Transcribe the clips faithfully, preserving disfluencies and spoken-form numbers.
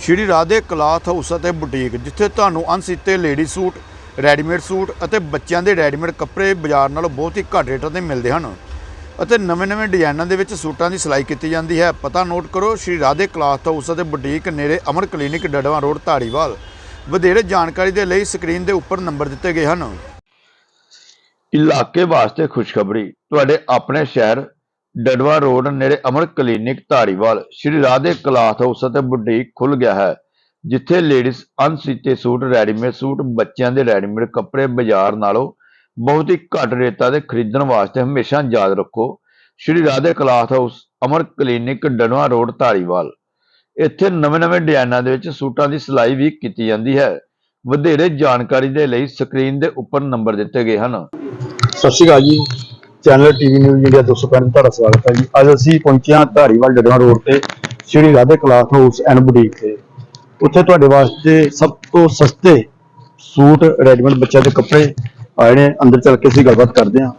ਸ਼੍ਰੀ Radhe cloth house ਅਤੇ boutique, ਜਿੱਥੇ ਤੁਹਾਨੂੰ ਅਣਸੀਤੇ ਲੇਡੀ ਸੂਟ, ਰੈਡੀਮੇਡ ਸੂਟ ਅਤੇ ਬੱਚਿਆਂ ਦੇ ਰੈਡੀਮੇਡ ਕੱਪੜੇ ਬਾਜ਼ਾਰ ਨਾਲੋਂ ਬਹੁਤ ਹੀ ਘੱਟ ਰੇਟਾਂ 'ਤੇ ਮਿਲਦੇ ਹਨ ਅਤੇ ਨਵੇਂ-ਨਵੇਂ ਡਿਜ਼ਾਈਨਾਂ ਦੇ ਵਿੱਚ ਸੂਟਾਂ ਦੀ ਸਿਲਾਈ ਕੀਤੀ ਜਾਂਦੀ ਹੈ। ਪਤਾ ਨੋਟ ਕਰੋ, ਸ਼੍ਰੀ ਰਾਧੇ ਕਲਾਥ ਹਾਊਸ ਅਤੇ ਬੁਟੀਕ, ਨੇੜੇ ਅਮਰ ਕਲੀਨਿਕ, ਡੜਵਾ ਰੋਡ, ਧਾਰੀਵਾਲ। ਵਧੇਰੇ ਜਾਣਕਾਰੀ ਦੇ ਲਈ ਸਕਰੀਨ ਦੇ ਉੱਪਰ ਨੰਬਰ ਦਿੱਤੇ ਗਏ ਹਨ। ਇਲਾਕੇ ਵਾਸਤੇ ਖੁਸ਼ਖਬਰੀ, ਤੁਹਾਡੇ ਆਪਣੇ ਸ਼ਹਿਰ ਡੜਵਾ ਰੋਡ ਨੇੜੇ Amar clinic, Dhariwal, Shri Radhe cloth house ਅਤੇ ਬੁਟੀਕ ਖੁੱਲ ਗਿਆ ਹੈ, ਜਿੱਥੇ ਲੇਡੀਜ਼ ਅਣਸੀਤੇ ਸੂਟ, ਰੈਡੀਮੇਡ ਸੂਟ, ਬੱਚਿਆਂ ਦੇ ਰੈਡੀਮੇਡ ਕੱਪੜੇ ਬਾਜ਼ਾਰ ਨਾਲੋਂ ਬਹੁਤ ਹੀ ਘੱਟ ਰੇਟਾਂ ਤੇ ਖਰੀਦਣ ਵਾਸਤੇ ਹਮੇਸ਼ਾ ਯਾਦ ਰੱਖੋ, Shri Radhe cloth house, Amar clinic, Darhwa road, Dhariwal. ਇੱਥੇ ਨਵੇਂ-ਨਵੇਂ ਡਿਜ਼ਾਈਨਾਂ ਦੇ ਵਿੱਚ ਸੂਟਾਂ ਦੀ ਸਿਲਾਈ ਵੀ ਕੀਤੀ ਜਾਂਦੀ ਹੈ। ਵਧੇਰੇ ਜਾਣਕਾਰੀ ਦੇ ਲਈ ਸਕਰੀਨ ਦੇ ਉੱਪਰ ਨੰਬਰ ਦਿੱਤੇ ਗਏ ਹਨ। ਸਤਿ ਸ਼੍ਰੀ ਅਕਾਲ ਜੀ, ਚੈਨਲ ਟੀਵੀ ਨਿਊਜ਼ ਇੰਡੀਆ ਦੋ ਸੌ ਪੈਂਤੀ ਤੁਹਾਡਾ ਸਵਾਗਤ ਹੈ ਜੀ। ਅੱਜ ਅਸੀਂ ਪਹੁੰਚੇ ਹਾਂ ਧਾਰੀਵਾਲ ਡੜਵਾ ਰੋਡ ਤੇ Shri Radhe cloth house and boutique ਤੇ। ਉੱਥੇ ਤੁਹਾਡੇ ਵਾਸਤੇ ਸਭ ਤੋਂ ਸਸਤੇ ਸੂਟ, ਰੈਡੀਮੇਡ ਬੱਚਿਆਂ ਦੇ ਕੱਪੜੇ ਆਏ ਨੇ। ਅੰਦਰ ਚੱਲ ਕੇ ਅਸੀਂ ਗੱਲਬਾਤ ਕਰਦੇ ਹਾਂ।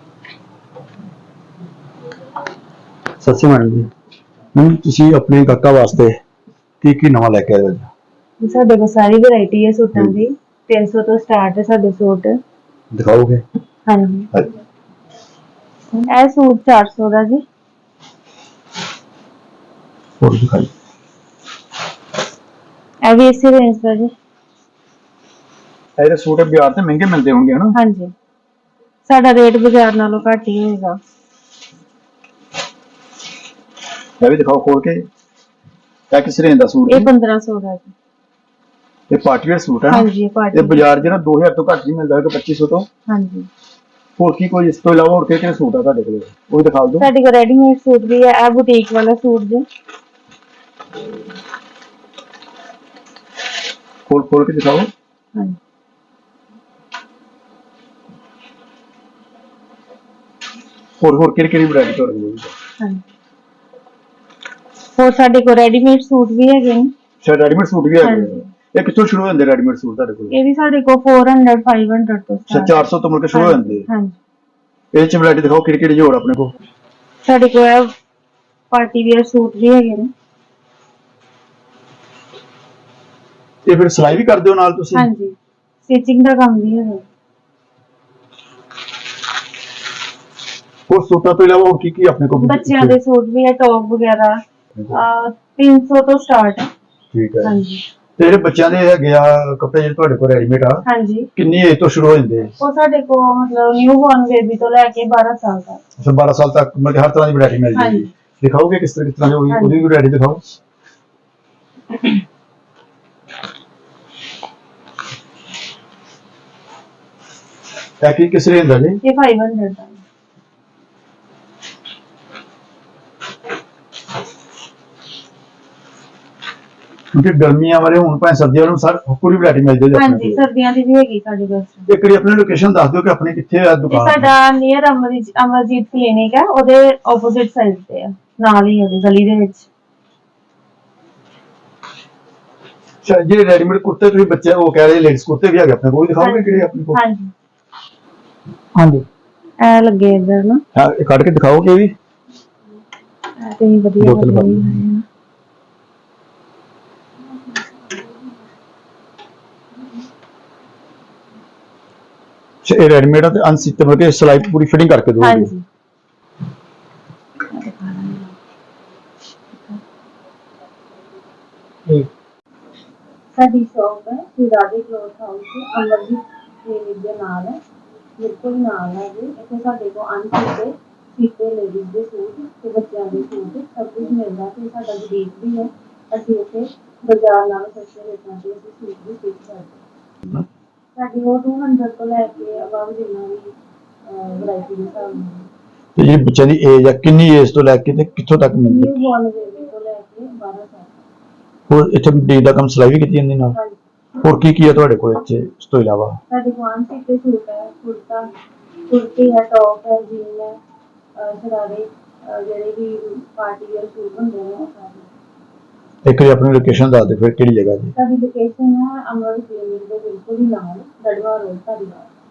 ਸਤਿ ਸ਼੍ਰੀ ਅਕਾਲ ਜੀ। ਮੈਮ, ਤੁਸੀਂ ਆਪਣੇ ਕਾਕਾ ਵਾਸਤੇ ਕੀ ਕੀ ਨਵਾਂ ਲੈ ਕੇ ਆਏ ਹੋ? ਸਾਡੇ ਕੋਲ ਸਾਰੀ ਵੈਰਾਈਟੀ ਹੈ ਸੂਟਾਂ ਦੀ। ਤਿੰਨ ਸੌ ਤੋਂ ਸਟਾਰਟ ਹੈ ਸਾਡੇ ਸੂਟ। ਦਿਖਾਓਗੇ? ਹਾਂਜੀ, ਇਹ ਸੂਟ ਚਾਰ ਸੌ ਦਾ ਜੀ। ਹੋਰ ਦਿਖਾਈ। ਇਹ ਵੀ ਇਸੇ ਰੇਂਜ ਦਾ ਜੀ। ਇਹਦੇ ਸੂਟ ਬਾਜ਼ਾਰ ਤੇ ਮਹਿੰਗੇ ਮਿਲਦੇ ਹੋਣਗੇ ਹਨਾ? ਹਾਂਜੀ, ਸਾਡਾ ਰੇਟ ਬਾਜ਼ਾਰ ਨਾਲੋਂ ਘੱਟ ਹੀ ਹੋਏਗਾ। ਇਹ ਵੀ ਦਿਖਾਓ ਖੋਲ ਕੇ। ਇਹ ਕਿਸ ਰੇਂਜ ਦਾ ਸੂਟ ਹੈ? ਇਹ ਪੰਦਰਾਂ ਸੌ ਦਾ ਜੀ। ਇਹ ਪਾਰਟੀ ਵੇਅਰ ਸੂਟ ਹੈ? ਹਾਂਜੀ, ਪਾਰਟੀ। ਇਹ ਬਾਜ਼ਾਰ ਜਿਹੜਾ ਦੋ ਹਜ਼ਾਰ ਤੋਂ ਘੱਟ ਨਹੀਂ ਮਿਲਦਾ ਹੈਗਾ, ਪੱਚੀ ਸੌ ਤੋਂ। ਹਾਂਜੀ। ਹੋਰ ਕੀ ਕੋਈ ਇਸ ਤੋਂ ਇਲਾਵਾ ਹੋਰ ਕਿਹੜੇ ਸੂਟ ਆ ਤੁਹਾਡੇ ਕੋਲ, ਉਹ ਵੀ ਦਿਖਾ ਦਿਓ। ਸਾਡੇ ਕੋਲ ਰੈਡੀਮੇਡ ਸੂਟ ਵੀ ਹੈ। ਇਹ ਬੁਟੀਕ ਵਾਲਾ ਸੂਟ ਜੀ। ਖੋਲ ਖੋਲ ਕੇ ਦਿਖਾਓ। ਹਾਂਜੀ, ਹੋਰ ਹੋਰ ਕਿਹੜੀ ਕਿਹੜੀ ਵੈਰਾਈਟੀ ਤੁਹਾਡੇ ਕੋਲ? ਹਾਂਜੀ। ਹੋਰ ਸਾਡੇ ਕੋਲ ਰੈਡੀਮੇਡ ਸੂਟ ਵੀ ਹੈਗੇ ਨੇ। ਅੱਛਾ, ਰੈਡੀਮੇਡ ਸੂਟ ਵੀ ਹੈਗੇ। ਇਹ ਕਿੱਥੋਂ ਸ਼ੁਰੂ ਹੁੰਦੇ ਰੈਡੀਮੇਡ ਸੂਟ ਤੁਹਾਡੇ ਕੋਲ? ਇਹ ਵੀ ਸਾਡੇ ਕੋਲ ਚਾਰ ਸੌ, ਪੰਜ ਸੌ ਤੋਂ ਅੱਛਾ, ਚਾਰ ਸੌ ਤੋਂ ਮੁੜ ਕੇ ਸ਼ੁਰੂ ਹੋ ਜਾਂਦੇ। ਹਾਂਜੀ। ਇਹ ਚ ਵੈਰਾਈਟੀ ਦਿਖਾਓ, ਕਿਹੜੀ ਕਿਹੜੀ ਹੋਰ ਆਪਣੇ ਕੋਲ? ਸਾਡੇ ਕੋਲ ਪਾਰਟੀ ਵੇਅਰ ਸੂਟ ਵੀ ਹੈਗੇ ਨੇ। ਇਹ ਫਿਰ ਸਿਲਾਈ ਵੀ ਕਰਦੇ ਹੋ ਨਾਲ ਤੁਸੀਂ? ਹਾਂਜੀ, ਸਟਿਚਿੰਗ ਦਾ ਕੰਮ ਵੀ ਹੈਗਾ। ਹੋਰ ਸੂਟਾਂ ਤੋਂ ਇਲਾਵਾ ਹੋਰ ਕੀ ਕੀ ਆਪਣੇ ਕੋਲ? ਬੱਚਿਆਂ ਦੇ ਸੂਟ ਵੀ ਹੈ, ਟੌਪ ਵਗੈਰਾ ਤਿੰਨ ਸੌ ਤੋਂ ਸਟਾਰਟ ਹੈ। ਠੀਕ ਹੈ। ਹਾਂਜੀ। ਤੇ ਜਿਹੜੇ ਬੱਚਿਆਂ ਦੇ ਹੈਗੇ ਆ ਕੱਪੜੇ, ਜਿਹੜੇ ਤੁਹਾਡੇ ਕੋਲ ਰੈਡੀਮੇਡ ਆ, ਹਾਂਜੀ, ਕਿੰਨੀ ਏਜ ਤੋਂ ਸ਼ੁਰੂ ਹੋ ਜਾਂਦੇ? ਉਹ ਸਾਡੇ ਕੋਲ ਮਤਲਬ ਨਿਊ ਬੋਰਨ ਬੇਬੀ ਤੋਂ ਲੈ ਕੇ ਬਾਰਾਂ ਸਾਲ ਤੱਕ। ਅੱਛਾ, ਬਾਰਾਂ ਸਾਲ ਤੱਕ ਮਤਲਬ ਹਰ ਤਰ੍ਹਾਂ ਦੀ ਵੈਰਾਈਟੀ ਮਿਲ ਜਾਏਗੀ। ਹਾਂਜੀ। ਦਿਖਾਓਗੇ ਕਿਸ ਤਰ੍ਹਾਂ ਕਿਸ ਤਰ੍ਹਾਂ ਦੀ ਹੋਗੀ? ਉਹਦੀ ਵੀ ਵੈਰਾਈਟੀ ਦਿਖਾਓ। ਇਹ ਕੀ ਕਿਸ ਰੇਂਜ ਦਾ ਜੀ? ਇਹ ਪੰਜ ਸੌ ਦਾ। ਕਿਉਂਕਿ ਗਰਮੀਆਂ ਵਾਲੇ ਹੁਣ ਭਾਵੇਂ ਸਰਦੀਆਂ ਨੂੰ ਸਰ ਪੂਰੀ ਵੈਰਾਈਟੀ ਮਿਲ ਜਾਏਗੀ ਆਪਣੇ ਹਾਂਜੀ, ਕੋਲ। ਸਰਦੀਆਂ ਦੀ ਵੀ ਹੈਗੀ ਸਾਡੇ ਕੋਲ। ਇੱਕ ਵਾਰੀ ਆਪਣੀ ਲੋਕੇਸ਼ਨ ਦੱਸ ਦਿਓ ਕਿ ਆਪਣੀ ਕਿੱਥੇ ਆ ਇਹ ਦੁਕਾਨ? ਸਾਡਾ ਨੀਅਰ ਅਮਰਜੀਤ ਅਮਰਜੀਤ ਕਲੀਨਿਕ ਹੈ, ਉਹਦੇ ਆਪੋਜ਼ਿਟ ਸਾਈਡ ਤੇ ਆ, ਨਾਲ ਹੀ ਉਹਦੀ ਗਲੀ ਦੇ ਵਿੱਚ। ਅੱਛਾ, ਜਿਹੜੇ ਰੈਡੀਮੇਡ ਕੁੜਤੇ ਤੁਸੀਂ ਬੱਚੇ ਉਹ ਕਹਿ ਰਹੇ ਲੇਡੀਜ਼ ਕੁੜਤੇ ਵੀ ਹੈਗੇ ਆਪਣੇ ਕੋਲ, ਦਿਖਾਓਗੇ ਕਿਹੜੇ ਆਪਣੇ ਕੋਲ? ਹਾਂਜੀ ਹਾਂਜੀ, ਇਹ ਲੱਗੇ ਇੱਧਰ ਨਾ। ਹਾਂ, ਇਹ ਕੱਢ ਕੇ ਦਿਖਾਓਗੇ ਵੀ? ਇਹ ਤੇ ਵਧੀਆ ਬੋਤਲ ਭਰ ਲਈ। ਇਹ ਰੈਡੀਮੇਡ ਆ ਤੇ ਅਨਸੀਤੇ ਮਤਲਬ ਕਿ ਸਿਲਾਈ ਪੂਰੀ ਫਿਟਿੰਗ ਕਰਕੇ ਦੋਗੇ? ਹਾਂਜੀ। ਸਾਡੀ ਸ਼ੌਪ ਹੈ Shri Radhe cloth house, Amarjeet clinic ਦੇ ਨਾਲ ਹੈ, ਬਿਲਕੁਲ ਨਾਲ ਹੈ ਜੀ। ਇੱਥੇ ਸਾਡੇ ਕੋਲ ਅਨਸੀਤੇ ਸੀਤੇ ਲੇਡੀਜ਼ ਦੇ ਸੂਟ ਤੇ ਬੱਚਿਆਂ ਦੇ ਸੂਟ ਸਭ ਕੁਝ ਮਿਲਦਾ ਤੇ ਸਾਡਾ ਬੁਟੀਕ ਵੀ ਹੈ। ਅਸੀਂ ਇੱਥੇ ਬਾਜ਼ਾਰ ਨਾਲੋਂ ਸਸਤੇ ਰੇਟਾਂ ਤੇ ਅਸੀਂ ਸੂਟ ਵੀ ਸਟਿਚ ਕਰਦੇ ਹਾਂ। ਸਾਡੀ ਉਹ ਦੋ ਸੌ ਤੋਂ ਲੈ ਕੇ ਅਬਵ ਜਿੰਨਾ ਵੀ ਵੈਰਾਈਟੀ ਦੇ ਹਿਸਾਬ ਨਾਲ। ਤੇ ਜਿਹੜੀ ਬੱਚਿਆਂ ਦੀ ਏਜ ਆ, ਕਿੰਨੀ ਏਜ ਤੋਂ ਲੈ ਕੇ ਤੇ ਕਿੱਥੋਂ ਤੱਕ ਮਿਲਦੀ? ਨਿਊ ਬੋਰਨ ਬੇਬੀ ਤੋਂ ਲੈ ਕੇ ਬਾਰਾਂ ਸਾਲ ਤੱਕ। ਹੋਰ ਇੱਥੇ ਬੁਟੀਕ ਦਾ ਕੰਮ ਸਿਲਾਈ ਵੀ ਕੀਤੀ ਜਾਂਦੀ ਨਾਲ? ਹੋਰ ਕੀ ਕੀ ਹੈ ਤੁਹਾਡੇ ਕੋਲ ਇੱਥੇ ਇਸ ਤੋਂ ਇਲਾਵਾ? ਸਾਡੇ ਕੋਲ ਸੀਤੇ ਸੂਟ ਹੈ, ਕੁੜਤਾ ਕੁੜਤੀ ਹੈ, ਟੌਪ ਹੈ, ਜੀਨ ਹੈ, ਸ਼ਰਾਰੇ, ਜਿਹੜੇ ਵੀ ਪਾਰਟੀ ਵੇਅਰ ਸੂਟ ਹੁੰਦੇ ਨੇ ਉਹ ਸਾਰੇ। ਇੱਕ ਵਾਰੀ ਆਪਣੀ ਲੋਕੇਸ਼ਨ ਦੱਸ ਦਿਓ ਫਿਰ, ਕਿਹੜੀ ਜਗ੍ਹਾ ਜੀ? ਸਾਡੀ ਲੋਕੇਸ਼ਨ ਹੈ ਅਮਰ ਕਲੀਨਿਕ ਦੇ ਬਿਲਕੁਲ ਹੀ ਨਾਲ, ਡੜਵਾ ਰੋਡ, ਧਾਰੀਵਾਲ।